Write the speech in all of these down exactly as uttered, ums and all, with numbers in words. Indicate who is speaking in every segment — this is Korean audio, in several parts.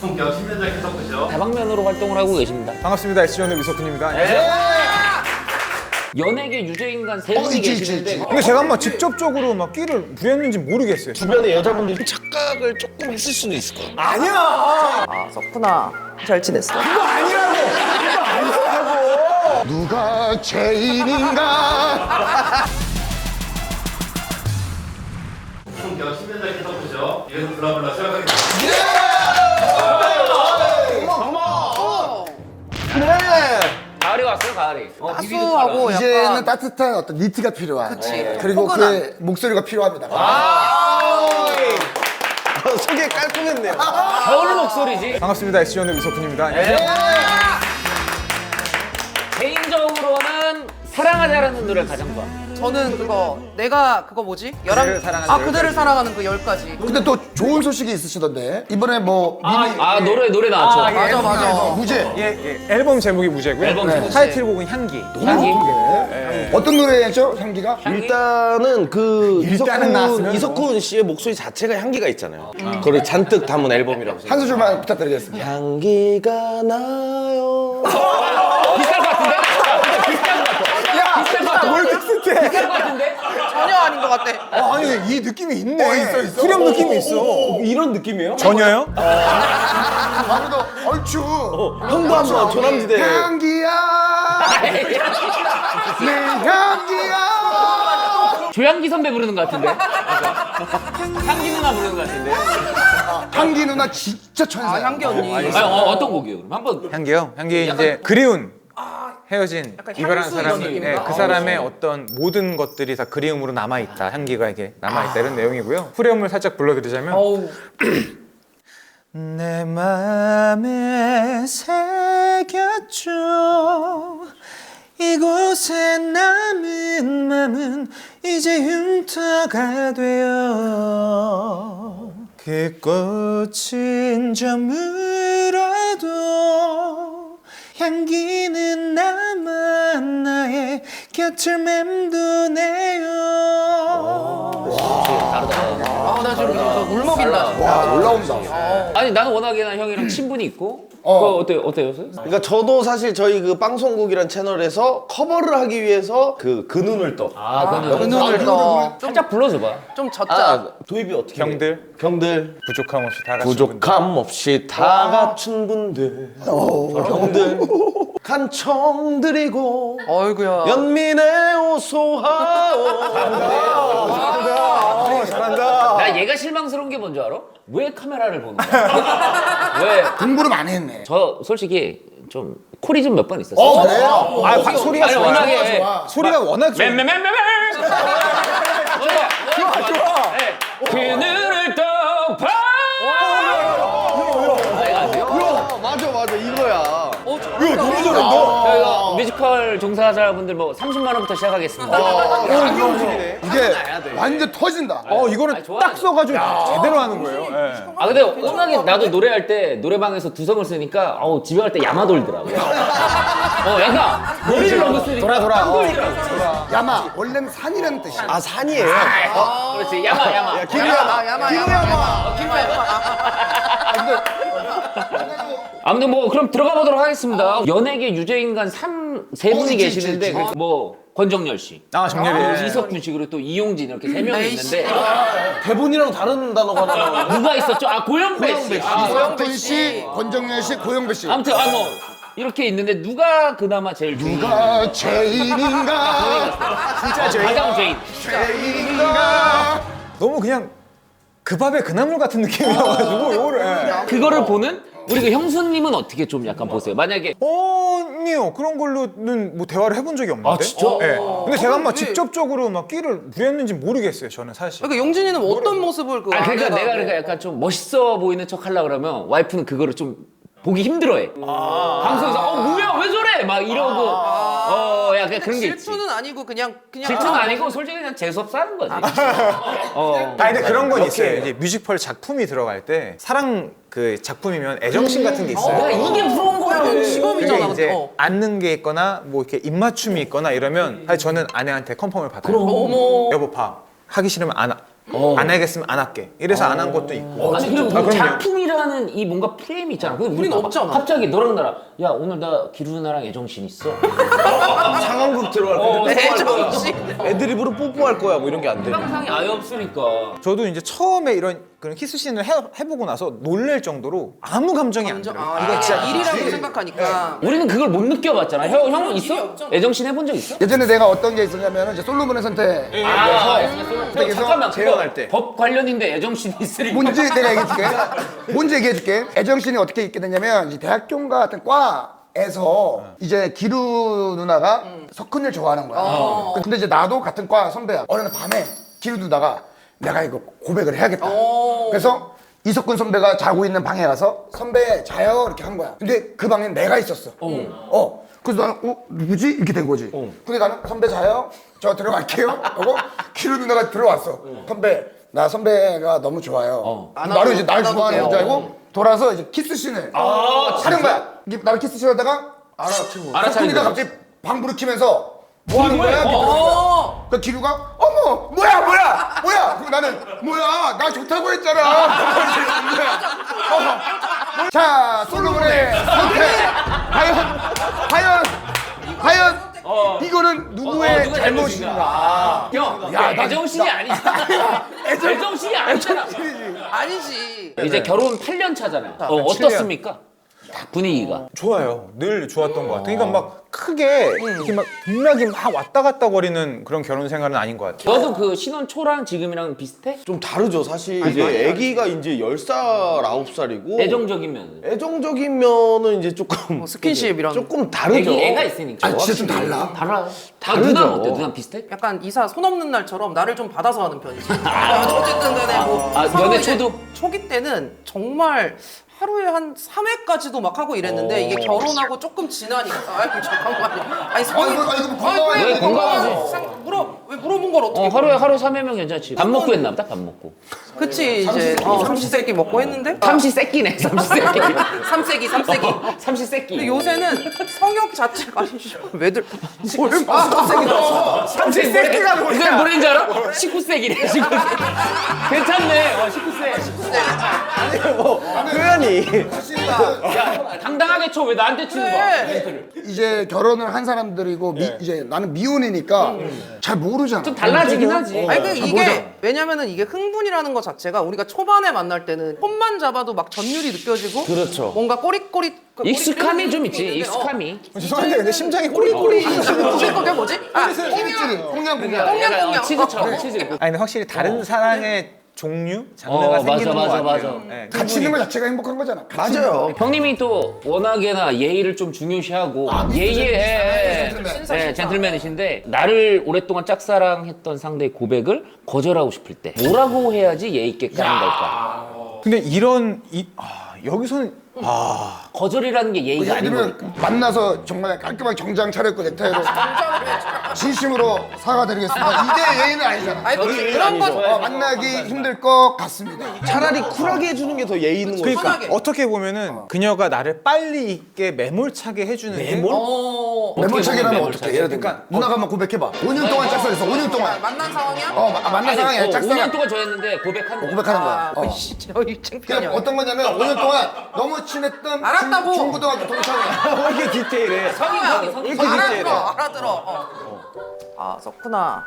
Speaker 1: 본격 십 년차 캐서프죠.
Speaker 2: 다방면으로 활동을 하고 계십니다.
Speaker 3: 반갑습니다. 에스지원의 미석훈입니다.
Speaker 2: 네. 연예계 유죄인간 세 분이
Speaker 4: 어, 있지,
Speaker 2: 계시는데
Speaker 4: 있지, 있지.
Speaker 3: 근데 제가 한번 직접적으로 막 끼를 부렸는지 모르겠어요.
Speaker 4: 주변에 여자분들이 착각을 조금 했을 수도 있을 거야.
Speaker 3: 아니야.
Speaker 5: 아, 석훈아, 잘 지냈어?
Speaker 3: 그거 아니라고. 그거 아니라고.
Speaker 4: 누가 죄인인가?
Speaker 1: 본격 십 년차 캐서프죠. 이래서 블라블라 시작하겠습니다.
Speaker 2: 가을이 왔어요, 가을이. 어, 비비드
Speaker 5: 따스하고
Speaker 2: 카라.
Speaker 4: 이제는
Speaker 5: 약간
Speaker 4: 따뜻한 어떤 니트가 필요한.
Speaker 5: 그치.
Speaker 4: 그리고
Speaker 5: 포근한.
Speaker 4: 그의 목소리가 필요합니다.
Speaker 6: 소개 깔끔했네요.
Speaker 2: 겨울 목소리지.
Speaker 3: 반갑습니다. 에스지원의 미석훈입니다.
Speaker 2: 개인적으로는 사랑하자라는 노래를 가장 좋아.
Speaker 5: 저는 그거 내가 그거 뭐지? 열한
Speaker 3: 그대를 사랑하는
Speaker 5: 아
Speaker 3: 열
Speaker 5: 그대를
Speaker 3: 가지.
Speaker 5: 사랑하는 그 열 가지.
Speaker 4: 근데 또 좋은 소식이 있으시던데 이번에 뭐 미니
Speaker 2: 아, 노래, 노래 나왔죠.
Speaker 3: 아, 예.
Speaker 5: 맞아 맞아.
Speaker 4: 무죄
Speaker 3: 예, 예. 앨범 제목이 무죄고요.
Speaker 2: 앨범
Speaker 3: 네.
Speaker 2: 제목.
Speaker 3: 타이틀곡은 향기.
Speaker 2: 향기.
Speaker 4: 어떤 노래죠 향기가?
Speaker 6: 일단은 그
Speaker 3: 일단은 나왔으면
Speaker 6: 이석훈, 이석훈 씨의 목소리 자체가 향기가 있잖아요. 그걸 잔뜩 담은 앨범이라고 생각해요.
Speaker 4: 한 소절만 부탁드리겠습니다.
Speaker 6: 향기가 나요.
Speaker 2: 비슷할 것 같은데? 비슷한 것 같아. 비슷한 것 같아.
Speaker 3: 뭘 비슷해?
Speaker 2: 비슷한 것 같은데?
Speaker 5: 전혀 아닌 것 같아.
Speaker 3: 아, 아니 이 느낌이 있네.
Speaker 4: 어, 있어, 있어.
Speaker 3: 후렴 느낌이 있어.
Speaker 6: 이런 느낌이에요?
Speaker 3: 전혀요?
Speaker 4: 아무도 얼추
Speaker 6: 형도 한번 조남지대.
Speaker 4: 향기야 내 향기야.
Speaker 2: 조양기 선배 부르는 것 같은데? 향기 누나 부르는 것 같은데?
Speaker 4: 향기 누나 진짜 천사야.
Speaker 5: 아 향기 언니.
Speaker 2: 아니, 어, 어떤 곡이에요? 그럼 한번.
Speaker 3: 향기요? 향기 이제 그리운 헤어진
Speaker 5: 약간
Speaker 3: 이별한
Speaker 5: 향수
Speaker 3: 사람이
Speaker 5: 이런
Speaker 3: 네,
Speaker 5: 느낌인가?
Speaker 3: 그 사람의 어떤 모든 것들이 다 그리움으로 남아있다. 향기가 이게 남아있다 이런 내용이고요. 후렴을 살짝 불러드리자면
Speaker 5: 어우.
Speaker 3: 내 맘에 새겼죠 이곳에 남은 맘은 이제 흉터가 되어 그 꽃은 저물어도 향기는 남아 나의 곁을 맴도네요.
Speaker 5: 아나 지금 저 울먹인다.
Speaker 4: 와 올라온다.
Speaker 2: 아니, 나는 워낙에 난 형이랑 친분이 있고.
Speaker 4: 어.
Speaker 2: 그거 어때요? 어때요?
Speaker 6: 그러니까 저도 사실 저희 그 방송국이란 채널에서 커버를 하기 위해서 그 그 눈을 떠.
Speaker 2: 아, 그거는.
Speaker 5: 그 눈을 떠. 좀,
Speaker 2: 살짝 불러줘봐.
Speaker 5: 좀 젖자.
Speaker 6: 아, 도입이 어떻게? 해요?
Speaker 3: 경들
Speaker 6: 경들.
Speaker 3: 부족함 없이 다 같이
Speaker 6: 부족함 없이 다 갖춘 분들. 경들. 간청드리고
Speaker 5: 어이구야.
Speaker 6: 연민의 오소하오.
Speaker 3: 어, 잘한다.
Speaker 2: 나 얘가 실망스러운 게 뭔지 알아? 왜 카메라를 보는 거야? 왜?
Speaker 4: 공부를 많이 했네.
Speaker 2: 저 솔직히 좀 콜이 좀 몇 번 있었어.
Speaker 4: 어 그래요?
Speaker 3: 아, 화- 소리가
Speaker 2: 아니,
Speaker 3: 좋아요.
Speaker 2: 워낙에.
Speaker 4: 좋아.
Speaker 3: 소리가 워낙 좋아.
Speaker 2: 맴맴맴맴. 좋아 좋아. 그 눈을 떠봐.
Speaker 6: 맞아 맞아 이거야.
Speaker 5: 어, 저-
Speaker 4: 너무 잘한다.
Speaker 2: 저희가 뮤지컬 종사자분들 뭐 삼십만 원부터 시작하겠습니다.
Speaker 4: 이게 완전 터진다.
Speaker 3: 어, 이거를
Speaker 2: 아니, 좋아요.
Speaker 3: 딱 써가지고 제대로 하는 거예요. 예.
Speaker 2: 아 근데 워낙에 나도 노래할 때 노래방에서 두성을 쓰니까 어우 집에 갈 때 야마 돌더라고요. 어 약간 머리를 너무 쓰니까
Speaker 3: 돌아, 돌아. 어.
Speaker 4: 야마 원래는 산이라는 뜻이야.
Speaker 6: 아 산이에요.
Speaker 2: 어, 그렇지 야마 야마.
Speaker 5: 야마 야마 야마 야마. 야마 야마.
Speaker 2: 아무튼 뭐 그럼 들어가 보도록 하겠습니다. 연예계 유죄인간 삼 세 분이
Speaker 4: 있지,
Speaker 2: 계시는데
Speaker 4: 있지, 있지.
Speaker 2: 그 뭐 권정열 씨,
Speaker 3: 아, 정렬이.
Speaker 2: 이석균 씨 그리고 또 이용진 이렇게 세 명이
Speaker 5: 에이씨.
Speaker 2: 있는데
Speaker 6: 대본이랑 다른 단어가 나와.
Speaker 2: 누가 있었죠? 아 고영배 씨. 아,
Speaker 4: 이석훈 씨, 권정열 씨, 고영배 씨.
Speaker 2: 아무튼 아 뭐 이렇게 있는데 누가 그나마 제일 주인?
Speaker 4: 누가 죄인인가?
Speaker 2: 진짜 죄인. 가장 죄인.
Speaker 4: 죄인인가?
Speaker 3: 너무 그냥 그 밥의 그 나물 같은 느낌이어가지고 요거를 예.
Speaker 2: 그거를 보는 우리 그 형수님은 어떻게 좀 약간 보세요? 만약에
Speaker 3: 아니요 그런 걸로는 뭐 대화를 해본 적이 없는데.
Speaker 2: 아, 진짜?
Speaker 3: 예. 근데 제가 막
Speaker 5: 그래.
Speaker 3: 직접적으로 막 끼를 부렸는지 모르겠어요 저는 사실.
Speaker 5: 그러니까 용진이는 어떤 모습을 그
Speaker 2: 아 그러니까
Speaker 5: 아내가
Speaker 2: 내가
Speaker 5: 뭐-
Speaker 2: 그러니까 약간 좀 멋있어 보이는 척 하려 그러면 와이프는 그거를 좀 보기 힘들어해. 방송에서 어 뭐야 왜 저래 막 이러고 어 약간 그런 게 있지.
Speaker 5: 질투는 아니고 그냥 그냥
Speaker 2: 질투는
Speaker 5: 아,
Speaker 2: 아니고 솔직히 그냥 재수 없어 하는 거지. 어.
Speaker 3: 아 근데 그런 건 있어요. 이제 뮤지컬 작품이 들어갈 때 사랑 그 작품이면 애정씬 같은 게 있어요.
Speaker 2: 내가 이게 부러운 거라고.
Speaker 5: 직업이잖아.
Speaker 3: 그게 이제
Speaker 5: 어.
Speaker 3: 앉는 게 있거나 뭐 이렇게 입맞춤이 있거나 이러면 사실 저는 아내한테 컨펌을 받아요.
Speaker 5: 어머.
Speaker 3: 여보 봐 하기 싫으면 안 하-
Speaker 2: 어.
Speaker 3: 안 하겠으면 안 할게. 이래서 안 한 것도 있고.
Speaker 2: 아니 그리고
Speaker 3: 아,
Speaker 2: 뭐
Speaker 3: 그럼요.
Speaker 2: 작품이라는 이 뭔가 프레임이 있잖아. 근데
Speaker 5: 우린
Speaker 2: 봐봐.
Speaker 5: 없잖아.
Speaker 2: 갑자기 너랑 나랑 야 오늘 나 기루 누나랑 애정신 있어.
Speaker 6: 상황극 들어갈
Speaker 2: 어,
Speaker 6: 건데
Speaker 5: 애정 씨.
Speaker 6: 애드립으로 뽀뽀할 거야 뭐 이런 게 안 돼.
Speaker 2: 상상이 아예 없으니까.
Speaker 3: 저도 이제 처음에 이런 그런 키스씬을 해, 해보고 나서 놀랄 정도로 아무 감정이 안 들어요.
Speaker 5: 아, 이거 진짜 일이라고 생각하니까.
Speaker 2: 우리는 그걸 못 느껴봤잖아. 형 형은 있어?
Speaker 5: 일이 없잖아.
Speaker 2: 애정신 해본 적 있어?
Speaker 4: 예전에 내가 어떤 게 있었냐면 이제 솔로몬의 선택.
Speaker 2: 아,
Speaker 4: 그래서
Speaker 2: 잠깐만
Speaker 6: 재연할
Speaker 2: 그거
Speaker 6: 때.
Speaker 2: 법 관련인데 애정신이 있으니까.
Speaker 4: 뭔지 내가 얘기해줄게. 뭔지 얘기해줄게. 애정신이 어떻게 있게 됐냐면 이제 대학교인가 같은 과에서 이제 기루 누나가 석훈을 좋아하는 거야. 근데 이제 나도 같은 과 선배야. 어느 날 밤에 기루 누나가 내가 이거 고백을 해야겠다. 그래서 이석훈 선배가 자고 있는 방에 가서 선배 자요 이렇게 한 거야. 근데 그 방엔 내가 있었어. 어. 그래서 나는 어 누구지 이렇게 된 거지. 근데 나는 선배 자요. 저 들어갈게요. 하고 기루 누나가 들어왔어. 선배 나 선배가 너무 좋아요. 나를 이제 날 좋아하는 줄 알고 돌아서 이제 키스씬을 하는 거야. 이게 나를 키스씬 하다가 알아차리고 석훈이가 갑자기 방불을 켜면서 뭐 하는 거야?
Speaker 5: 어.
Speaker 4: 그 기루가 어머 뭐야 뭐야 뭐야 그럼 나는 뭐야 나 좋다고 했잖아. 어. 자 솔로몬의 선택 과연 과연 과연 이거는 누구의
Speaker 2: 어, 누가
Speaker 4: 잘못인가?
Speaker 2: 형,
Speaker 4: 야, 나
Speaker 2: 애정신이 아니잖아. 애정신이 아니잖아.
Speaker 5: 아니지.
Speaker 2: 이제 결혼 팔 년 차잖아요. 어, 어떻습니까? 분위기가.
Speaker 3: 좋아요. 늘 좋았던 것 같아요. 그러니까 막 크게 이렇게 막 등락이 막 왔다 갔다 거리는 그런 결혼 생활은 아닌 것 같아요.
Speaker 2: 너도 그 신혼 초랑 지금이랑 비슷해?
Speaker 6: 좀 다르죠 사실. 이제 아기가 이제 열 살 아홉 살이고
Speaker 2: 애정적이면.
Speaker 6: 애정적인 면은 이제 조금
Speaker 5: 뭐 스킨십 이런.
Speaker 6: 조금 다르죠.
Speaker 2: 애기 애가 있으니까.
Speaker 4: 아니 진짜 좀 달라.
Speaker 2: 달라.
Speaker 6: 다르죠.
Speaker 2: 누나 어때? 누나 비슷해?
Speaker 5: 약간 이사 손 없는 날처럼 나를 좀 받아서 하는 편이지. 어쨌든 간에 뭐
Speaker 2: 아,
Speaker 5: 서로
Speaker 2: 연애
Speaker 5: 이제
Speaker 2: 초도?
Speaker 5: 초기 때는 정말 하루에 한 삼 회까지도 막 하고 이랬는데 이게 결혼하고 조금 지나니까 아이고 잠깐만요. 아니 성이
Speaker 4: 아이고, 아이고, 건강하지.
Speaker 5: 아이고,
Speaker 2: 왜 건강하지?
Speaker 5: 건강하지. 물어 왜 물어본 걸 어떻게?
Speaker 2: 어, 하루에 하루 삼 회면 괜찮지. 밥 먹고 했나 보다. 밥 먹고.
Speaker 5: 그치 이제 어, 삼시세끼 먹고 했는데
Speaker 2: 삼시세끼네. 삼시세끼.
Speaker 5: 삼세기 삼세기.
Speaker 2: 어, 삼시세끼.
Speaker 5: 근데 요새는 성욕 자체가 아니죠. 왜들 뭘 삼세기 나왔어?
Speaker 2: 삼시세끼가 뭐야? 이건 뭐인지 알아? 십구 세기래. 십구 세기. 괜찮네. 어, 십구 세.
Speaker 6: 아니 뭐 표현이
Speaker 2: 야, 당당하게 쳐. 왜 나한테 치는 거야?
Speaker 5: 그래.
Speaker 4: 이제 결혼을 한 사람들이고 미, 이제 나는 미혼이니까 잘 모르잖아.
Speaker 2: 좀 달라지긴 하지.
Speaker 5: 아니 그
Speaker 4: 잘
Speaker 5: 이게
Speaker 4: 모르잖아.
Speaker 5: 왜냐면은 이게 흥분이라는 것 자체가 우리가 초반에 만날 때는 손만 잡아도 막 전율이 느껴지고
Speaker 6: 그렇죠.
Speaker 5: 뭔가 꼬릿꼬릿 그
Speaker 2: 익숙함이
Speaker 5: 꼬릿
Speaker 2: 좀 있지.
Speaker 5: 있는데,
Speaker 2: 익숙함이.
Speaker 3: 죄송한데 근데 심장이 꼬리꼬리.
Speaker 5: 어, 그게 뭐지? 아,
Speaker 4: 치즈를 홍양 홍양.
Speaker 5: 꽁냥,
Speaker 2: 약간
Speaker 5: 꽁냥.
Speaker 2: 치즈처럼 치즈.
Speaker 3: 아니 근데 확실히 다른 사랑의 종류, 장르가
Speaker 2: 어, 맞아,
Speaker 3: 생기는
Speaker 2: 맞아,
Speaker 3: 것 같아요.
Speaker 2: 맞아.
Speaker 3: 네,
Speaker 4: 같이 있는 것 자체가 행복한 거잖아. 같이
Speaker 6: 맞아요.
Speaker 2: 형님이 또 워낙에나 예의를 좀 중요시하고 예의에
Speaker 4: 젠틀맨.
Speaker 2: 네, 젠틀맨이신데 나를 오랫동안 짝사랑했던 상대의 고백을 거절하고 싶을 때 뭐라고 해야지 예의 있게 까는 걸까?
Speaker 3: 근데 이런 이 아, 여기서는 아
Speaker 2: 거절이라는 게 예의가
Speaker 4: 예를
Speaker 2: 아니고
Speaker 4: 들면 만나서 정말 깔끔하게 정장 차려입고 넥타이로 진심으로 사과드리겠습니다. 이게 예의는 아니잖아.
Speaker 5: 아니 그, 그런 건
Speaker 4: 어, 만나기 힘들 것 같습니다.
Speaker 6: 차라리 쿨하게 해주는 게 더 예의 있는 거죠.
Speaker 3: 그러니까
Speaker 5: 편하게.
Speaker 3: 어떻게 보면은 그녀가 나를 빨리 있게 매몰차게 해주는 게
Speaker 5: 어,
Speaker 4: 매몰차기라면
Speaker 2: 매몰차기?
Speaker 4: 어떻게? 예를 들면 누나가 한번 고백해봐. 오 년 동안 짝사랑했어. 오 년 동안.
Speaker 5: 만난 상황이야?
Speaker 4: 어 마- 만난 상황에
Speaker 2: 오 년
Speaker 4: 짝사랑
Speaker 2: 동안 저였는데 고백하는 거야.
Speaker 4: 고백하는 거야.
Speaker 5: 아,
Speaker 4: 어.
Speaker 5: 씨, 저이 창피하냐.
Speaker 4: 그냥 어떤 거냐면 오 년 동안 너무 친했던
Speaker 5: 알았다고.
Speaker 4: 중, 중고등학교 동창이야.
Speaker 6: 왜 이렇게 디테일해?
Speaker 2: 성인 성인 성인.
Speaker 6: 이렇게 디테일해?
Speaker 5: 알아들어, 알아들어. 어. 아, 석훈아.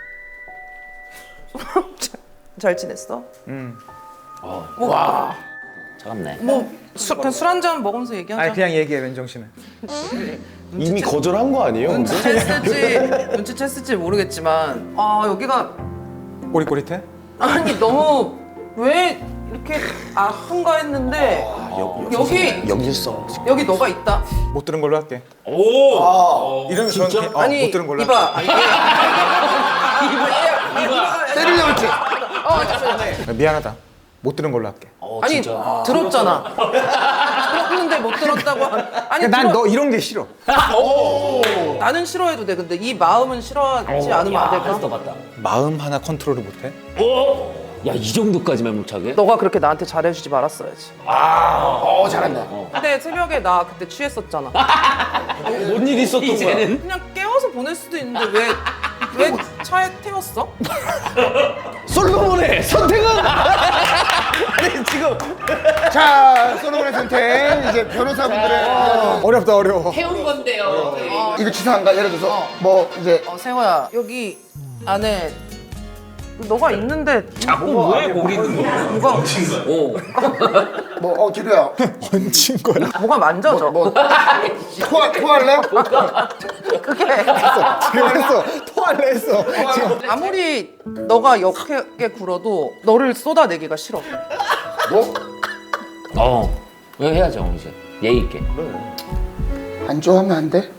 Speaker 5: 잘 지냈어?
Speaker 3: 음.
Speaker 5: 와.
Speaker 2: 차갑네.
Speaker 5: 뭐, 술, 그냥 술 한 잔 먹으면서 얘기하자.
Speaker 3: 아니 그냥 얘기해 맨정 씨는.
Speaker 6: 이미 거절한 거 아니에요? 근데?
Speaker 5: 눈치챘을지, 눈치챘을지 모르겠지만, 아, 여기가,
Speaker 3: 꼬릿꼬릿해?
Speaker 5: 아니, 너무, 왜 이렇게 아픈가 했는데, 여기,
Speaker 6: 역일성.
Speaker 5: 여기 너가 있다.
Speaker 3: 못 들은 걸로 할게.
Speaker 2: 오.
Speaker 3: 이러면 저는 어,
Speaker 5: 아니,
Speaker 3: 못 들은 걸로
Speaker 5: 이봐.
Speaker 3: 할게.
Speaker 5: 아니, 이봐. 이봐.
Speaker 4: 때리려고 했지.
Speaker 5: 어, 잠시만요.
Speaker 3: 아, 미안하다. 못 들은 걸로 할게.
Speaker 2: 어,
Speaker 5: 아니,
Speaker 2: 진짜.
Speaker 5: 들었잖아. 들었는데 못 들었다고. 하- 아니,
Speaker 3: 난
Speaker 5: 들어-
Speaker 3: 너 이런 게 싫어.
Speaker 5: 나는 싫어해도 돼. 근데 이 마음은 싫어하지 않으면 안 될까?
Speaker 2: 했어 봤다.
Speaker 3: 마음 하나 컨트롤을 못해?
Speaker 2: 오. 야, 이 정도까지 매몰차게?
Speaker 5: 너가 그렇게 나한테 잘해주지 말았어야지.
Speaker 4: 어 잘한다.
Speaker 5: 근데 새벽에 나 그때 취했었잖아.
Speaker 6: 뭔 일 있었던 거야?
Speaker 2: 이제는
Speaker 5: 그냥 깨워서 보낼 수도 있는데 왜, 왜 차에 태웠어?
Speaker 6: 솔로몬의 선택은 아니 지금
Speaker 4: 자, 솔로몬의 선택. 이제 변호사분들의
Speaker 3: 어렵다 어려워.
Speaker 2: 해온 건데요.
Speaker 4: 이거 치사한가? 예를 들어서 뭐 이제
Speaker 5: 어, 세호야 여기 안에 너가 있는데
Speaker 2: 자꾸 왜 거기 있는 거야?
Speaker 5: 뭐가
Speaker 2: 오.
Speaker 4: 뭐 어 기루야
Speaker 3: 얹힌 거야.
Speaker 5: 뭐가 만져져.
Speaker 4: 뭐 토하 토할래?
Speaker 5: 그게
Speaker 3: 지금 했어. 토할래 했어. 지금.
Speaker 5: 아무리 너가 역하게 굴어도 너를 쏟아내기가 싫어.
Speaker 4: 뭐?
Speaker 2: 어. 이거 해야죠 이제 예의 있게.
Speaker 4: 안 좋아하면 안 돼?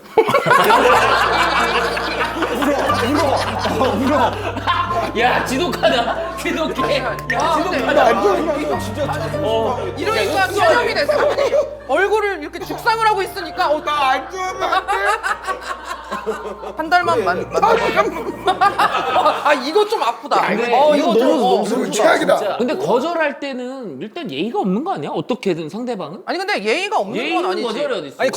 Speaker 2: 야 지독하다. 지독해. 야
Speaker 5: 아, 근데
Speaker 2: 지독하다.
Speaker 5: 이거
Speaker 2: 어.
Speaker 5: 이러니까 전염이 돼 사람이. 얼굴을 이렇게 죽상을 하고 있으니까 어,
Speaker 4: 안 좋아하면 안 돼?
Speaker 5: 한 달만 만. 만 아 이거 좀 아프다.
Speaker 2: 근데
Speaker 5: 어
Speaker 6: 이거
Speaker 5: 이거 좀.
Speaker 6: 너무
Speaker 5: 어.
Speaker 6: 너무
Speaker 4: 최악이다.
Speaker 2: 진짜. 근데 거절할 때는 일단 예의가 없는 거 아니야? 어떻게든 상대방은?
Speaker 5: 아니 근데 예의가 없는
Speaker 2: 예의
Speaker 5: 건
Speaker 2: 있는
Speaker 5: 아니지.
Speaker 2: 거절이 어디 있어?
Speaker 3: 아니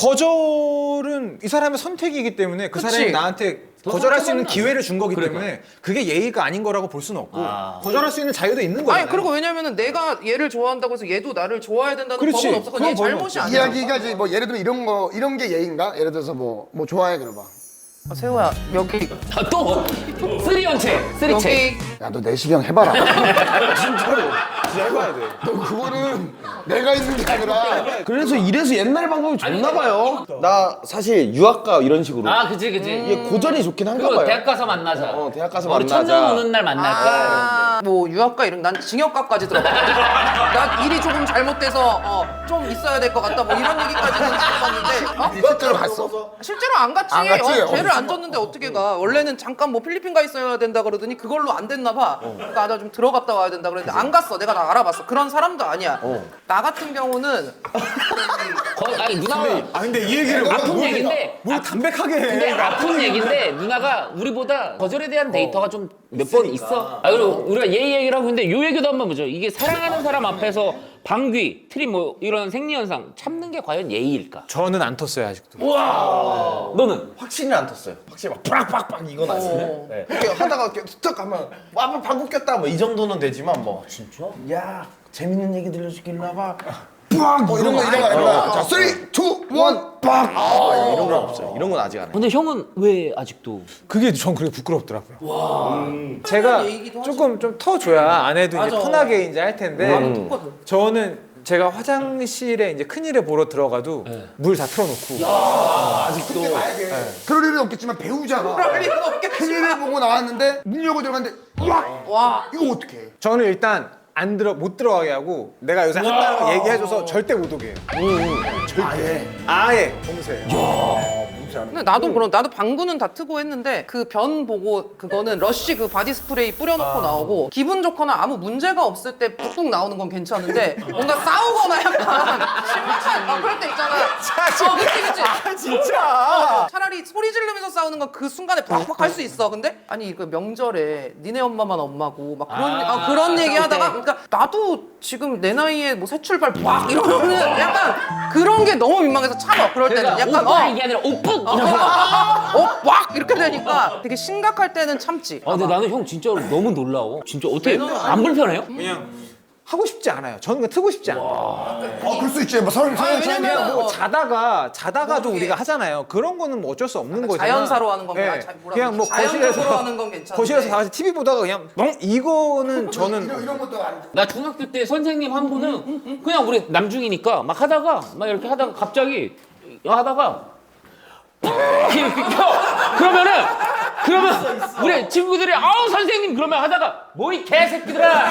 Speaker 3: 거절은 이 사람의 선택이기 때문에 그
Speaker 5: 그치.
Speaker 3: 사람이 나한테
Speaker 2: 더
Speaker 3: 거절할 수 있는
Speaker 2: 상처받나?
Speaker 3: 기회를 준 거기
Speaker 2: 그러니까.
Speaker 3: 때문에 그게 예의가 아닌 거라고 볼 수는 없고
Speaker 2: 아.
Speaker 3: 거절할 수 있는 자유도 있는 거잖아요.
Speaker 5: 아니 그리고 왜냐면은 내가 얘를 좋아한다고 해서 얘도 나를 좋아해야 된다는
Speaker 3: 그렇지.
Speaker 5: 법은 없어. 그건 얘
Speaker 3: 그건 법은
Speaker 5: 잘못이
Speaker 3: 없지.
Speaker 5: 아니야.
Speaker 4: 이야기가 이제 뭐 예를 들면 이런 거 이런 게 예인가? 예를 들어서 뭐 뭐 좋아해 그러봐.
Speaker 5: 아, 세호야 여기
Speaker 2: 아, 또 쓰리언체 쓰리체.
Speaker 5: 여기
Speaker 4: 야 너 내시경 해봐라.
Speaker 3: 진짜로 진짜 해봐야 돼.
Speaker 4: 너 그거는 내가 있는 게 아니라
Speaker 6: 그래서 이래서 옛날 방법이 좋나 봐요. 나 사실 유학가 이런 식으로
Speaker 2: 아 그치 그치.
Speaker 6: 이게 고전이 좋긴 한가
Speaker 2: 그거
Speaker 6: 봐요.
Speaker 2: 대학 가서 만나자.
Speaker 6: 어, 대학 가서
Speaker 2: 우리
Speaker 6: 만나자.
Speaker 2: 천년 오는 날 만날까?
Speaker 5: 아, 뭐 유학가 이런 난 징역가까지 들어봐. 나 일이 조금 잘못돼서 어, 좀 있어야 될 것 같다 뭐 이런 얘기까지는 들어봤는데 어?
Speaker 4: 실제로 갔어?
Speaker 5: 실제로 안 갔지.
Speaker 4: 안 갔지?
Speaker 5: 어, 죄를
Speaker 4: 어.
Speaker 5: 안 졌는데 어떻게 가? 원래는 잠깐 뭐 필리핀 가 있어야 된다 그러더니 그걸로 안 됐나 봐. 그러니까 나 좀 들어갔다 와야 된다 그랬는데 안 갔어. 내가 다 알아봤어. 그런 사람도 아니야. 나 같은 경우는
Speaker 2: 거, 아니 누나가
Speaker 3: 아 근데 이 얘기를
Speaker 2: 아픈 얘기인데
Speaker 3: 뭘 담백하게 해.
Speaker 2: 근데 아픈 얘기인데 누나가 우리보다 거절에 대한 데이터가 좀 몇 번 있어. 아 그리고 우리가 예의 얘기를 하고 있는데 요 얘기도 한번 보죠. 이게 사랑하는 사람 앞에서 방귀, 트림 뭐 이런 생리현상 참는 게 과연 예의일까?
Speaker 3: 저는 안 텄어요 아직도.
Speaker 2: 우와. 너는?
Speaker 6: 확실히 안 텄어요. 확실히 막 빡빡빡 이건 아니에요.
Speaker 5: 어.
Speaker 6: 네. 이렇게 하다가 이렇게 툭 하면 와 방구 꼈다 뭐 이 정도는 되지만 뭐 진짜? 야 재밌는 얘기 들려주길래 봐.
Speaker 4: 뭐 이런 거 이런 거 아니라 자 쓰리 투 원 빡.
Speaker 6: 이런 건 없어요. 이런 건 아직 안 해요.
Speaker 2: 근데 형은 왜 아직도?
Speaker 3: 그게 전 그게 부끄럽더라고요. 제가
Speaker 5: 얘기도
Speaker 3: 조금 좀 터줘야 아내도 이제
Speaker 5: 맞아.
Speaker 3: 편하게 이제 할 텐데
Speaker 5: 똑같아.
Speaker 3: 저는 제가 화장실에 이제 큰일을 보러 들어가도 물 다 틀어놓고
Speaker 4: 그럴 일은 없겠지만 배우자가
Speaker 5: 그럴 일은 없겠지.
Speaker 4: 큰일을 보고 나왔는데 문 열고 들어갔는데 와
Speaker 5: 와.
Speaker 4: 이거 어떡해?
Speaker 3: 저는 일단 안 들어 못 들어가게 하고 내가 요새 한다는 거 얘기해줘서 절대 못 오게 해요. 절대. 아예 봉쇄해요.
Speaker 5: 근데 나도 그런 나도 방구는 다 트고 했는데 그 변 보고 그거는 러쉬 그 바디 스프레이 뿌려놓고 나오고 기분 좋거나 아무 문제가 없을 때 뚝뚝 나오는 건 괜찮은데 뭔가 싸우거나 약간 심한 어, 그럴 때 있잖아. 어, 그치 그치.
Speaker 3: 아 진짜.
Speaker 5: 차라리 소리 지르면서 싸우는 건 그 순간에 팍팍 할 수 있어. 근데 아니 그 명절에 니네 엄마만 엄마고 막 그런
Speaker 2: 아,
Speaker 5: 아, 그런 얘기 하다가
Speaker 2: 싸울
Speaker 5: 그러니까 나도 지금 내 나이에 뭐 새 출발 막 이러면은 약간 그런 게 너무 민망해서 참아. 그럴 때는
Speaker 2: 그러니까
Speaker 5: 약간
Speaker 2: 오빠
Speaker 5: 어.
Speaker 2: 이게 아니라 오빠.
Speaker 5: 어, 막 이렇게 되니까 되게 심각할 때는 참지.
Speaker 2: 아 근데 나는 형 진짜로 너무 놀라워. 진짜 어떻게 안 불편해요?
Speaker 3: 그냥 하고 싶지 않아요. 저는 그냥 트고 싶지 않아요.
Speaker 4: 어 그럴 수 있지 뭐 서른 서른
Speaker 5: 왜냐면
Speaker 4: 차이면
Speaker 3: 뭐
Speaker 5: 어.
Speaker 3: 자다가 자다가도
Speaker 5: 모르게.
Speaker 3: 우리가 하잖아요. 그런 거는 뭐 어쩔 수 없는 거잖아.
Speaker 5: 자연사로 하는 건
Speaker 3: 예.
Speaker 5: 아, 자- 뭐라
Speaker 3: 그냥 뭐
Speaker 5: 그러지?
Speaker 3: 거실에서
Speaker 5: 자연적으로 하는 건 괜찮은데.
Speaker 3: 거실에서 다 같이 티비 보다가 그냥 멍 이거는 저는
Speaker 4: 이런, 이런 것도 안
Speaker 2: 나 중학교 때 선생님 한 분은 그냥 우리 남중이니까 막 하다가 막 이렇게 하다가 갑자기 하다가 이렇게 켜. 그러면은 그러면 우리 친구들이 아우 선생님 그러면 하다가 뭐 이 개새끼들아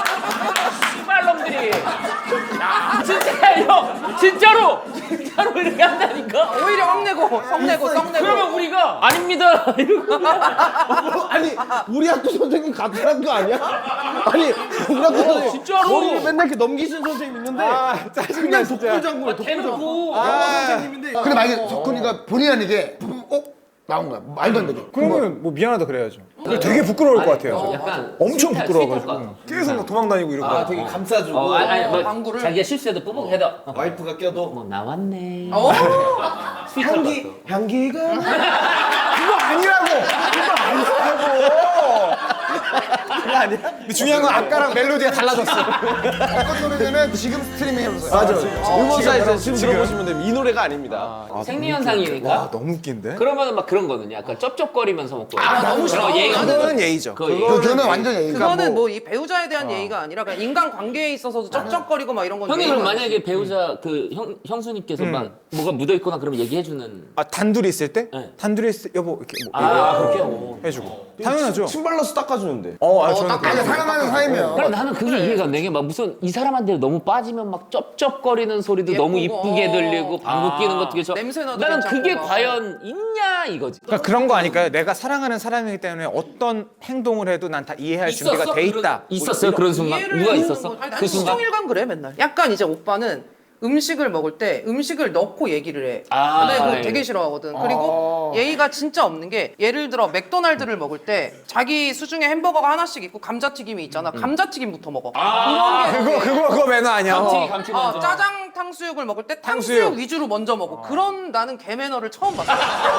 Speaker 2: 씨발놈들이 야 진짜 형 진짜로 진짜로 이렇게 한다니까.
Speaker 5: 오히려 확내고 성내고 성내고.
Speaker 2: 그러면 우리가 아닙니다 이러고
Speaker 6: 아니 우리 학교 선생님 같은 학교 아니야? 아니 우리 학교 선생님
Speaker 2: 진짜로.
Speaker 6: 머리를 맨날 이렇게 넘기시는 선생님 있는데
Speaker 3: 아 짜증나
Speaker 6: 그냥
Speaker 3: 진짜.
Speaker 6: 독불장군이에요. 독불장군.
Speaker 2: 대놓고
Speaker 6: 영어 선생님인데
Speaker 4: 근데 만약에 석훈이가 본의 아니게 어? 나온 거야 말도 안 되게
Speaker 3: 그러면 뭐 미안하다 그래야죠. 되게 부끄러울 것 같아요.
Speaker 2: 약간
Speaker 3: 엄청
Speaker 2: 스윗할-
Speaker 3: 부끄러워가지고
Speaker 2: 스윗할 것
Speaker 3: 계속 막 도망다니고 이러고.
Speaker 6: 아 되게 감싸주고
Speaker 2: 어, 아니, 아니, 뭐
Speaker 5: 방구를?
Speaker 2: 자기가 실수해도 뽀뽀해도 어,
Speaker 6: 와이프가 껴도
Speaker 2: 뭐 나왔네.
Speaker 5: 어?
Speaker 2: 스윗할 것
Speaker 6: 향기
Speaker 2: 같아.
Speaker 6: 향기가
Speaker 3: 그거 아니라고. 그거 아니라고. 근데 중요한 건 아까랑 멜로디가 달라졌어.
Speaker 4: 어떤 노래냐면 지금 스트리밍 해보세요.
Speaker 6: 맞아.
Speaker 4: 어,
Speaker 6: 음원사에서
Speaker 4: 지금
Speaker 6: 지금 들어보시면 됩니다. 이 노래가 아닙니다.
Speaker 2: 아, 생리현상이니까.
Speaker 3: 너무 웃긴데?
Speaker 2: 그러면 막 그런 거는 약간 쩝쩝거리면서 먹고.
Speaker 5: 아, 너무 싫어.
Speaker 2: 예의가
Speaker 3: 그거는 예의죠.
Speaker 2: 그거 예의.
Speaker 4: 그, 그거는 완전 예의가
Speaker 5: 그거는
Speaker 4: 뭐,
Speaker 5: 뭐 이 배우자에 대한 예의가 아니라 그냥 인간 관계에 있어서도 쩍쩍거리고 막 이런 건
Speaker 2: 형님
Speaker 5: 예의가
Speaker 2: 그럼
Speaker 5: 아니지.
Speaker 2: 만약에 배우자 그 형, 형수님께서 막 뭐가 묻어 있거나 그러면 얘기해주는.
Speaker 3: 아 단둘이 있을 때?
Speaker 2: 네.
Speaker 3: 단둘이 있을 때 여보 이렇게 뭐
Speaker 2: 아 그렇게. 오.
Speaker 3: 해주고. 당연하죠.
Speaker 6: 침발로서 닦아주는데.
Speaker 3: 어, 아,
Speaker 5: 어,
Speaker 3: 저는
Speaker 5: 딱
Speaker 3: 그래요.
Speaker 4: 아니 사랑하는 사이면
Speaker 2: 그럼 나는 그게 이해가 안 되게 막 무슨 이 사람한테 너무 빠지면 막 쩝쩝거리는 소리도
Speaker 5: 예쁘고,
Speaker 2: 너무 이쁘게
Speaker 5: 어.
Speaker 2: 들리고 방귀 끼는 것도 괜찮아.
Speaker 5: 냄새 나도
Speaker 2: 나는
Speaker 5: 괜찮고
Speaker 2: 그게
Speaker 5: 막.
Speaker 2: 과연 있냐 이거지.
Speaker 3: 그러니까 그런 거 아닐까요? 내가 사랑하는 사람이기 때문에 어떤 행동을 해도 난 다 이해할 준비가 돼 있다.
Speaker 2: 그런- 있었어요 그런 순간.
Speaker 5: 이해를
Speaker 2: 누가
Speaker 5: 하는
Speaker 2: 있었어?
Speaker 5: 거. 아니,
Speaker 2: 그
Speaker 5: 나는
Speaker 2: 순간.
Speaker 5: 시종일관 그래 맨날. 약간 이제 오빠는 음식을 먹을 때 음식을 넣고 얘기를 해.
Speaker 2: 아,
Speaker 5: 근데 그거
Speaker 2: 네.
Speaker 5: 되게 싫어하거든. 그리고 예의가 진짜 없는 게 예를 들어 맥도날드를 먹을 때 자기 수중에 햄버거가 하나씩 있고 감자튀김이 있잖아. 감자튀김부터 먹어.
Speaker 2: 아,
Speaker 5: 그런 게
Speaker 3: 그거 그거 그거 매너 아니야.
Speaker 2: 감튀
Speaker 3: 어.
Speaker 2: 감튀
Speaker 5: 어,
Speaker 2: 먼저.
Speaker 5: 짜장 탕수육을 먹을 때 탕수육,
Speaker 3: 탕수육.
Speaker 5: 위주로 먼저 먹어. 그런 나는 개 매너를 처음 봤어.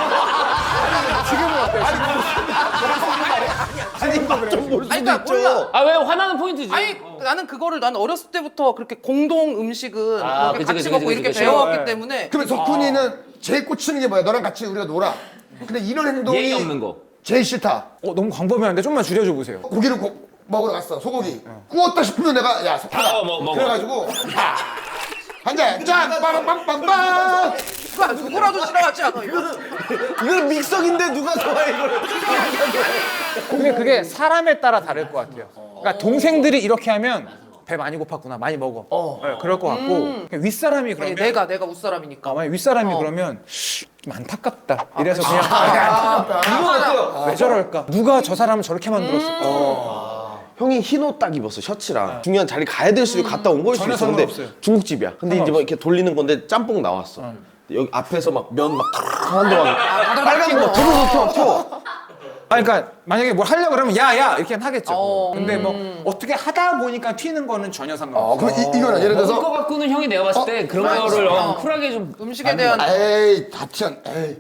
Speaker 6: 아니 맛좀볼 수도
Speaker 5: 아니, 그러니까
Speaker 6: 있죠.
Speaker 5: 몰라.
Speaker 2: 아 왜 화나는 포인트지?
Speaker 5: 아니 나는 그거를 나는 어렸을 때부터 그렇게 공동 음식은
Speaker 2: 아,
Speaker 5: 그렇게
Speaker 2: 그치,
Speaker 5: 같이
Speaker 2: 그치,
Speaker 5: 먹고
Speaker 2: 그치,
Speaker 5: 이렇게
Speaker 2: 그치.
Speaker 5: 배워왔기
Speaker 3: 네.
Speaker 5: 때문에
Speaker 4: 그러면 석훈이는 제일 꽂히는 게 뭐야? 너랑 같이 우리가 놀아. 근데 이런 행동이
Speaker 2: 예의 없는 거.
Speaker 4: 제일 싫다.
Speaker 3: 어, 너무 광범위한데 좀만 줄여줘 보세요.
Speaker 4: 고기를 고, 먹으러 갔어. 소고기. 구웠다 싶으면 내가 야 석훈아.
Speaker 2: 어, 먹- 먹어.
Speaker 4: 그래가지고 야, 한 잔, 짠, 빵빵빵빵.
Speaker 5: 누가 누구라도 싫어하지 않아 이거?
Speaker 6: 이건 믹서기인데 누가 좋아해 이거를.
Speaker 3: 근데 그게 사람에 따라 다를 것 같아요. 그러니까 동생들이 이렇게 하면 배 많이 고팠구나, 많이 먹어. 네, 그럴 것 같고 그냥 윗사람이
Speaker 5: 아니,
Speaker 3: 그러면
Speaker 5: 내가 내가 웃사람이니까.
Speaker 3: 아, 만약 윗사람이
Speaker 5: 어.
Speaker 3: 그러면 좀 안타깝다. 이래서 그냥
Speaker 5: 맞아.
Speaker 3: 왜 저럴까? 누가 저 사람을 저렇게 만들었을까?
Speaker 6: 형이 흰 옷 딱 입었어 셔츠랑 중요한 자리 가야 될 수도 갔다 온 거일 수도
Speaker 3: 전혀
Speaker 6: 있어. 근데
Speaker 3: 상관없어요.
Speaker 6: 중국집이야. 근데 이제 막 이렇게 돌리는 건데 짬뽕 나왔어. 여기 앞에서 막 면 막 하는 동안 빨간 거 두루두루 켜 켜.
Speaker 3: 아, 그러니까 만약에 뭘 하려고 그러면 야야 이렇게 하겠죠.
Speaker 5: 어,
Speaker 3: 근데 뭐 어떻게 하다 보니까 튀는 거는 전혀
Speaker 4: 어,
Speaker 3: 상관없어.
Speaker 4: 그럼 이, 이거는 예를
Speaker 2: 먹을
Speaker 4: 들어서
Speaker 2: 거 갖고는 형이 내가 봤을 때 그런 거를 어, 쿨하게 좀.
Speaker 5: 음식에 대한
Speaker 4: 에이 다치한 에이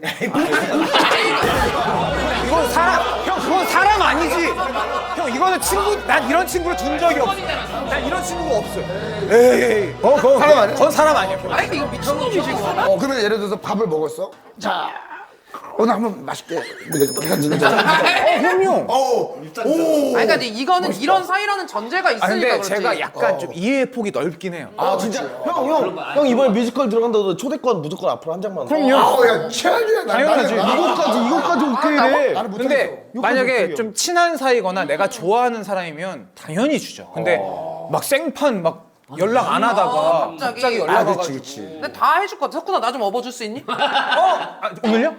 Speaker 3: 이건 사람, 형 그건 사람 아니지. 형 이거는 친구, 난 이런 친구를 둔 적이 없어. 난 이런 친구가 없어. 에이, 어, 그건
Speaker 4: 사람 아니야?
Speaker 3: 그건 사람 아니야.
Speaker 5: 아니 이거 미친놈이지 이거.
Speaker 4: 어 그러면 예를 들어서 밥을 먹었어. 자 오늘 한번 맛있게 해가지고
Speaker 3: 어, 형용.
Speaker 4: 오
Speaker 5: 아니 그러니까 이제 이거는 이런 사이라는 전제가 있으니까
Speaker 3: 아 근데
Speaker 5: 그렇지.
Speaker 3: 제가 약간 좀 이해의 폭이 넓긴 해요.
Speaker 6: 아 진짜 형 형 형 이번에 뮤지컬 들어간다고 초대권 무조건 앞으로 한 장만.
Speaker 3: 그럼요.
Speaker 4: 아우야 최악이야. 나-
Speaker 3: 당연하지.
Speaker 4: 나는-
Speaker 6: 이거까지 이거까지 오케이 해.
Speaker 4: 나는 못하겠어.
Speaker 3: 근데 만약에 좀 친한 사이거나 내가 좋아하는 사람이면 당연히 주죠. 근데 막 생판 막 연락 안 하다가
Speaker 5: 갑자기.
Speaker 3: 갑자기 연락
Speaker 4: 아
Speaker 3: 와가지고
Speaker 4: 그렇지 그렇지.
Speaker 5: 근데 다 해줄 것 같아. 석훈아 나 좀 업어줄 수 있니?
Speaker 3: 아, 오늘요?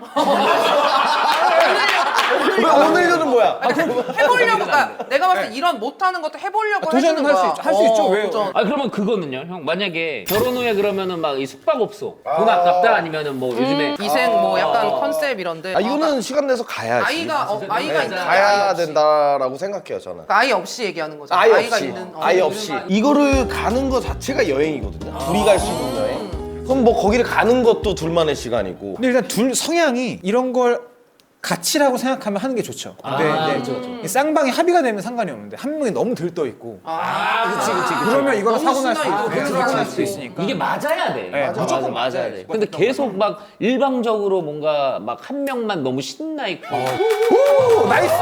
Speaker 6: 왜 오늘은 뭐야?
Speaker 5: 해보려고. 그러니까 내가 봤을 때 이런 못하는 것도 해보려고
Speaker 3: 도전은
Speaker 5: 해주는
Speaker 3: 할 수
Speaker 5: 거야.
Speaker 3: 있죠. 할 수 있죠. 왜요?
Speaker 5: 도전.
Speaker 2: 아 그러면 그거는요, 형 만약에 결혼 후에 그러면은 막 이 숙박업소 돈 아깝다 아니면은 뭐 요즘에
Speaker 5: 기생 뭐 약간 컨셉 이런데.
Speaker 6: 아 이거는 시간 내서 가야지.
Speaker 5: 아이가 어, 아이가
Speaker 6: 네,
Speaker 5: 있는
Speaker 6: 가야 된다라고 생각해요 저는.
Speaker 5: 아이 없이 얘기하는 거죠.
Speaker 6: 아예
Speaker 5: 아이가
Speaker 6: 없이
Speaker 5: 있는 어,
Speaker 6: 아예 없이 이거를 가는 거 자체가 여행이거든요. 둘이 갈 수 있는 여행. 그럼 뭐 거기를 가는 것도 둘만의 시간이고.
Speaker 3: 근데 일단 둘 성향이 이런 걸 가치라고 생각하면 하는 게 좋죠. 근데
Speaker 2: 아,
Speaker 3: 이제
Speaker 2: 그쵸,
Speaker 3: 이 쌍방이 합의가 되면 상관이 없는데 한 명이 너무 들떠 있고
Speaker 2: 아 그치 그치 그치.
Speaker 3: 그러면 이거는
Speaker 5: 너무
Speaker 3: 사고 날 수
Speaker 5: 신나,
Speaker 3: 있고
Speaker 5: 이거.
Speaker 3: 네,
Speaker 5: 그치,
Speaker 3: 사고 날
Speaker 5: 그치.
Speaker 3: 수 있으니까.
Speaker 2: 이게 맞아야 돼.
Speaker 3: 네,
Speaker 2: 맞아,
Speaker 3: 무조건
Speaker 2: 맞아,
Speaker 3: 맞아야
Speaker 2: 돼.
Speaker 3: 돼.
Speaker 2: 근데 계속 막 일방적으로 뭔가 막 한 명만 너무 신나 있고.
Speaker 3: 오, 나이스.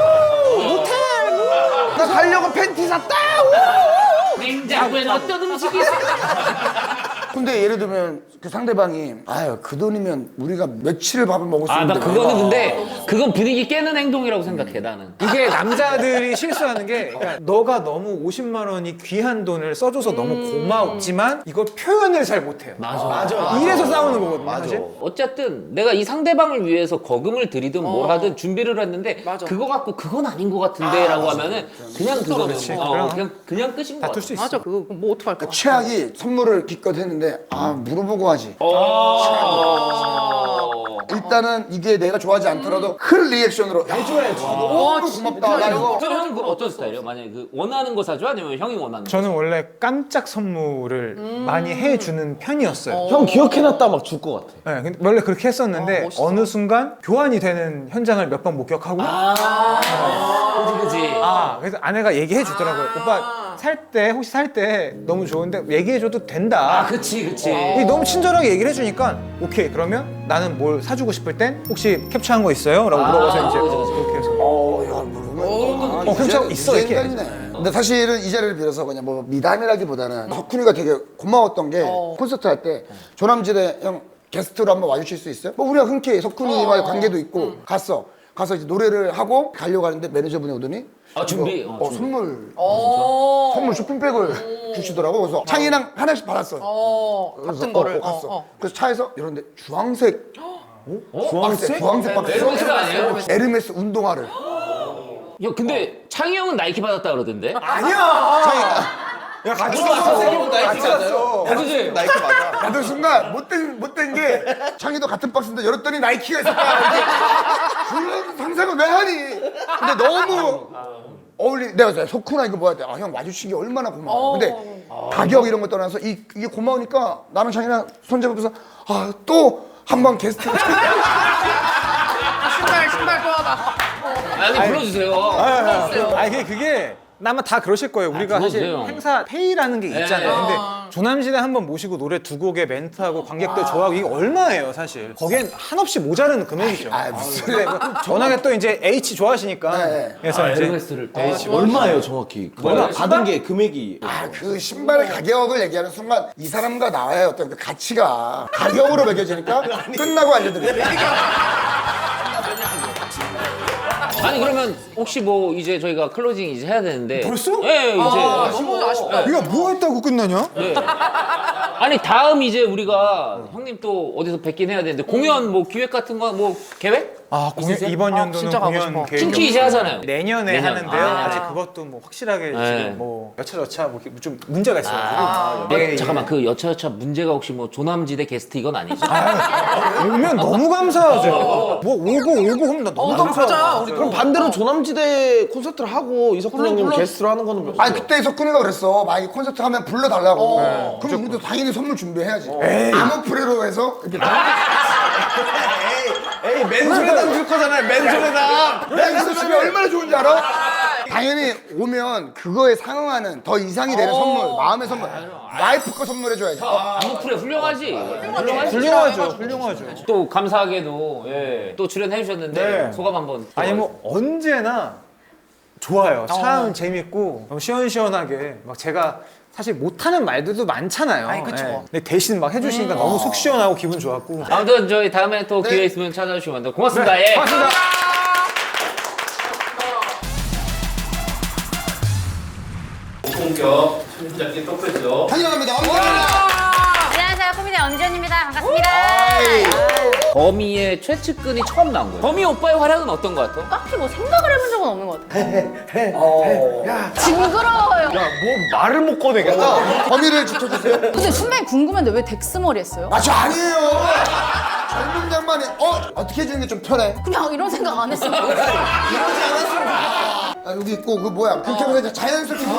Speaker 6: 나 가려고 팬티 샀다.
Speaker 2: 냉장고에는 어떤 음식이 있어?
Speaker 4: 근데 예를 들면 그 상대방이 아유 그 돈이면 우리가 며칠을 밥을 먹을 수
Speaker 2: 아 나
Speaker 4: 있는데
Speaker 2: 그거는 근데 그건 분위기 깨는 행동이라고 생각해 나는.
Speaker 3: 이게 남자들이 실수하는 게 그러니까 너가 너무 오십만 원이 귀한 돈을 써줘서 너무 고마웠지만 이걸 표현을 잘 못해요.
Speaker 2: 맞아.
Speaker 6: 맞아.
Speaker 3: 이래서 싸우는 거거든요.
Speaker 6: 맞아.
Speaker 3: 사실.
Speaker 2: 어쨌든 내가 이 상대방을 위해서 거금을 들이든 뭘 하든 준비를 했는데
Speaker 5: 맞아.
Speaker 2: 그거 갖고 그건 아닌 것 같은데라고 하면은 그냥 그거는
Speaker 3: 그렇지.
Speaker 2: 어,
Speaker 3: 그럼.
Speaker 2: 그냥 그냥 끝인 것 같아.
Speaker 3: 다툴 수 있어.
Speaker 5: 맞아 그거 뭐 어떡할 거야.
Speaker 4: 최악이 선물을 기껏 했는데 아 물어보고 하지.
Speaker 2: 어.
Speaker 4: 일단은 이게 내가 좋아하지 않더라도 큰 리액션으로 해줘야지. 너무 고맙다. 나 이거
Speaker 2: 그럼 형은 그 어떤 스타일이에요? 만약에 그 원하는 거 사줘 아니면 형이 원하는 거?
Speaker 3: 저는 원래 깜짝 선물을 많이 해주는 편이었어요.
Speaker 6: 형 기억해놨다 막 줄 것 같아.
Speaker 3: 네, 근데 원래 그렇게 했었는데
Speaker 5: 아, 멋있어.
Speaker 3: 어느 순간 교환이 되는 현장을 몇 번 목격하고
Speaker 2: 아, 그지, 그지.
Speaker 3: 아 그래서 아내가 얘기해 주더라고요. 오빠 살 때 혹시 살 때 너무 좋은데 얘기해 줘도 된다.
Speaker 2: 아, 그치, 그치.
Speaker 3: 이게 너무 친절하게 얘기를 해주니까 오케이 그러면 나는 뭘 사주고 싶을 땐 혹시 캡처한 거 있어요? 라고
Speaker 2: 아,
Speaker 3: 물어봐서 이제
Speaker 2: 그죠, 그죠.
Speaker 3: 그렇게 해서
Speaker 4: 어, 야, 모르면.
Speaker 3: 어, 캡처하고 있어 이렇게.
Speaker 4: 근데 사실은 이 자리를 빌어서 그냥 뭐 미담이라기보다는 석훈이가 되게 고마웠던 게 콘서트 할 때 조남지대 형 게스트로 한번 와주실 수 있어요? 뭐 우리가 흔쾌히 석훈이와의 관계도 있고 갔어. 가서 이제 노래를 하고 가려고 하는데 매니저분이 오더니
Speaker 2: 아, 준비.
Speaker 4: 이거,
Speaker 2: 어,
Speaker 4: 어,
Speaker 2: 준비.
Speaker 4: 선물
Speaker 5: 어.
Speaker 4: 선물 쇼핑백을 주시더라고. 그래서 창이랑 하나씩 받았어.
Speaker 5: 어.
Speaker 4: 그래서
Speaker 5: 같은 거를.
Speaker 4: 어, 어, 갔어.
Speaker 5: 어, 어.
Speaker 4: 그래서 차에서 이런데 주황색
Speaker 2: 어?
Speaker 4: 주황색 주황색 박스.
Speaker 2: 에르메스 아니에요?
Speaker 4: 에르메스 운동화를.
Speaker 2: 야, 근데 창희 형은 나이키 받았다 그러던데?
Speaker 3: 아니야. 야 같이 갔어. 같이 갔어.
Speaker 2: 그지?
Speaker 6: 나이키 맞아.
Speaker 4: 나도 순간 못된 못된 게 창이도 같은 박스인데 열었더니 나이키가 있었다. 이게 그런 상상을 왜 하니? 근데 너무 어울리. 내가 그래서 석훈아 이거 뭐야? 아, 형 와주신 게 얼마나 고마워. 근데 가격 이런 거 떠나서 이, 이게 고마우니까 나는 창이랑 손잡으면서 아 또 한 번 게스트.
Speaker 5: 신발 신발 또 하나.
Speaker 2: 아니, 불러주세요.
Speaker 3: 아 이게 그게 아마 다 그러실 거예요. 우리가 사실
Speaker 2: 불러주세요.
Speaker 3: 행사 페이라는 게 있잖아요.
Speaker 2: 네.
Speaker 3: 근데 조남지대 한번 모시고 노래 두 곡에 멘트하고 관객들 좋아하고 이게 얼마예요, 사실. 거기엔 한없이 모자른 금액이죠.
Speaker 4: 아, 무슨
Speaker 3: 근데 뭐 워낙에 또 이제 H 좋아하시니까.
Speaker 4: 네.
Speaker 3: 그래서 이제
Speaker 2: 에르메스를 또.
Speaker 6: 얼마예요 정확히? 얼마 받은 게 금액이.
Speaker 4: 아, 그 신발의 가격을 얘기하는 순간 이 사람과 나의 어떤 그 가치가 가격으로 매겨지니까 끝나고 알려드릴게요.
Speaker 2: 아니, 그러면 혹시 뭐 이제 저희가 클로징 이제 해야 되는데.
Speaker 3: 벌써?
Speaker 2: 예, 이제.
Speaker 5: 아, 너무 아쉽다.
Speaker 3: 우리가 뭐 했다고 끝나냐?
Speaker 2: 네. 아니, 다음 이제 우리가 형님 또 어디서 뵙긴 해야 되는데 공연 뭐 기획 같은 거 뭐 계획?
Speaker 3: 아, 공연,
Speaker 2: 있으세요?
Speaker 3: 이번
Speaker 5: 아,
Speaker 3: 연도는
Speaker 5: 진짜 가고
Speaker 3: 공연
Speaker 5: 싶어.
Speaker 3: 계획이
Speaker 2: 킹키 이제 하잖아요.
Speaker 3: 내년에
Speaker 2: 내년.
Speaker 3: 하는데요.
Speaker 2: 아.
Speaker 3: 아직 그것도 뭐 확실하게
Speaker 2: 네.
Speaker 3: 지금 뭐 여차저차 뭐 이렇게 좀 문제가 있어가지고.
Speaker 2: 아,
Speaker 3: 예, 예.
Speaker 2: 잠깐만, 그 여차여차 문제가 혹시 뭐 조남지대 게스트 이건 아니죠?
Speaker 3: 오면 너무 감사하죠. 뭐 오고 오고 하면 나 너무
Speaker 5: 어,
Speaker 3: 감사하죠.
Speaker 5: 가자. 우리
Speaker 6: 그럼 반대로 조남지대 콘서트를 하고 이석훈
Speaker 5: 불러,
Speaker 6: 형님
Speaker 5: 불러.
Speaker 6: 게스트로 하는 거는 몇
Speaker 4: 아니 그때 석훈이가 그랬어. 만약에 콘서트 하면 불러달라고. 그럼 우리도 당연히 선물 준비해야지. 아모프레로 해서 이렇게
Speaker 6: 에이 맨소리담 줄 거잖아요. 맨소리담.
Speaker 4: 맹수 집이 얼마나 좋은지 알아? 당연히 오면 그거에 상응하는 더 이상이 되는 선물, 마음의 선물, 와이프 거 선물해줘야지. 어?
Speaker 2: 아무프레 훌륭하지. 훌륭하지.
Speaker 3: 훌륭하죠, 훌륭하죠.
Speaker 2: 또 감사하게도 예, 또 출연해 주셨는데
Speaker 3: 네.
Speaker 2: 소감 한번.
Speaker 3: 아니 뭐 언제나 좋아요. 참 재밌고 너무 시원시원하게 막 제가 사실 못하는 말들도 많잖아요.
Speaker 5: 아이, 그쵸.
Speaker 3: 예. 근데 대신 막 해주시니까 너무 속 시원하고 기분 좋았고.
Speaker 2: 아무튼 저희 다음에 또 기회 있으면 찾아주시면 됩니다. 고맙습니다. 예.
Speaker 3: 고맙습니다.
Speaker 1: 공격 청취자끼리 토크쇼.
Speaker 4: 환영합니다.
Speaker 7: 안녕하세요. 코미디언 엄지연입니다. 반갑습니다.
Speaker 2: 거미의 최측근이 처음 나온 거예요. 거미 오빠의 활약은 어떤 것 같아?
Speaker 7: 딱히 뭐 생각을 해본 적은 없는 것 같아요. 징그러워요.
Speaker 6: 뭐 말을 못 꺼내겠다.
Speaker 4: 범위를 지켜주세요.
Speaker 7: 근데 순간히 궁금한데 왜 덱스머리 했어요?
Speaker 4: 아, 저 아니에요. 젊은 양반이 어 어떻게 해주는 게 좀 편해?
Speaker 7: 그냥 이런 생각 안 했어요.
Speaker 4: 아, 여기 있고 그 뭐야 그렇게 하면서 이제 자연스럽게